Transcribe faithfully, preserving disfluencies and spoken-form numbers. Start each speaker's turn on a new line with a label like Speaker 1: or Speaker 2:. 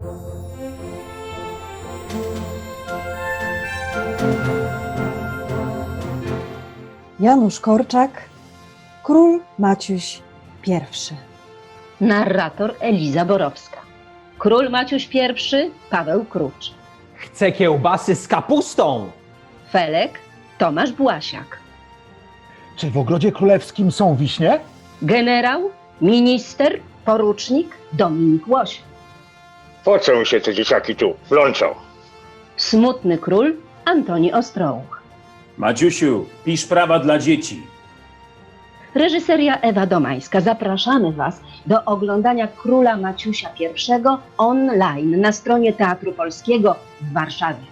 Speaker 1: Janusz Korczak, Król Maciuś pierwszy.
Speaker 2: Narrator Eliza Borowska. Król Maciuś pierwszy, Paweł Krucz.
Speaker 3: Chcę kiełbasy z kapustą!
Speaker 2: Felek, Tomasz Błasiak.
Speaker 4: Czy w Ogrodzie Królewskim są wiśnie?
Speaker 2: Generał, minister, porucznik Dominik Łoś.
Speaker 5: Po co mi się te dzieciaki tu plączą?
Speaker 2: Smutny król Antoni Ostrołuch.
Speaker 6: Maciusiu, pisz prawa dla dzieci.
Speaker 2: Reżyseria Ewa Domańska. Zapraszamy Was do oglądania Króla Maciusia pierwszego online na stronie Teatru Polskiego w Warszawie.